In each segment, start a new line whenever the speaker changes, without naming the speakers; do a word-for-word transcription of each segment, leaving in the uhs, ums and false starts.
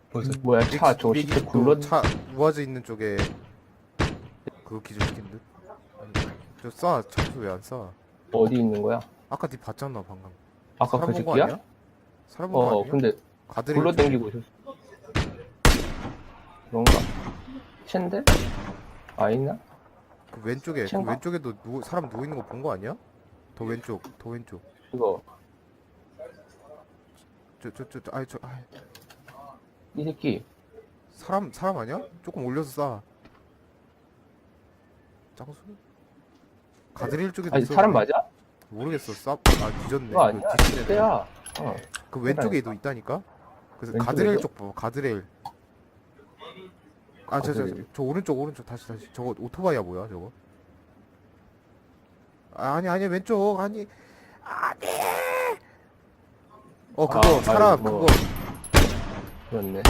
벌써
뭐야 차 저거
미기
진짜 굴러
차 우아즈 있는 쪽에 그거 기절시킨 듯. 아니, 저 쏴. 차수 왜 안 쏴?
어디 있는 거야?
아까 니 봤잖아 방금.
아까
사람
그
본 거
새끼야?
아니야? 사람 본 거
어
아니야?
근데
가드레일
굴러
쪽에.
댕기고 있었어. 그런가? 챈데? 아니나?
그 왼쪽에 그
챈가?
왼쪽에도 누, 사람 누워 있는 거 본 거 아니야? 더 왼쪽, 더 왼쪽.
이거
저 저 저 저 아이 저 아이.
이 새끼
사람 사람 아니야? 조금 올려서 쏴. 짱수? 가드레일 쪽에도
아니
있었는데.
사람 맞아?
모르겠어. 쌉. 아 뒤졌네.
그거 아니야?
그 뒷신에
때야. 어.
그 왼쪽에도 있다니까. 그래서
왼쪽에도?
가드레일 쪽 봐. 가드레일. 아 저 저 저
가드레일.
저 오른쪽 오른쪽 다시 다시. 저거 오토바이야 뭐야 저거? 아, 아니 아니 왼쪽 아니 아니. 어 그거
아,
사람
아니, 뭐.
그거.
그렇네.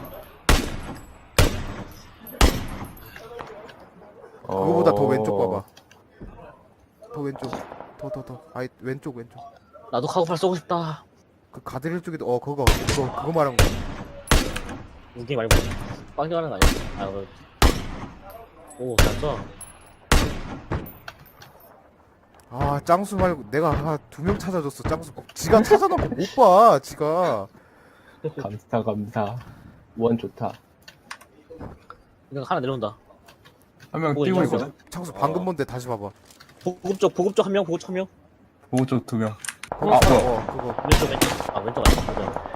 그거보다 더
어.
왼쪽 봐봐. 더 왼쪽. 더 더 더. 아이 왼쪽 왼쪽.
나도 카고팔 쏘고 싶다.
그 가드레일 쪽에도 어 그거 그거 그거 말한 거.
무기 말고 빵겨가는 거 아니야? 아, 뭐. 오, 잘 쏴.
아 짱수 말고 내가 아, 두 명 찾아줬어 짱수. 지가 찾아놓고 못 봐. 지가.
감사 감사. 원 좋다.
이거 하나 내려온다.
한 명
뭐
뛰고
있냐고?
있거든?
짱수 방금
어.
본데 다시 봐봐.
보급 쪽, 보급 쪽 한 명, 보급 쪽 한 명.
보고 쪽 두 명.
그거
아,
사-
뭐야?
어 그거.
왼쪽, 왼쪽. 아, 왼쪽 아니야. 맞아.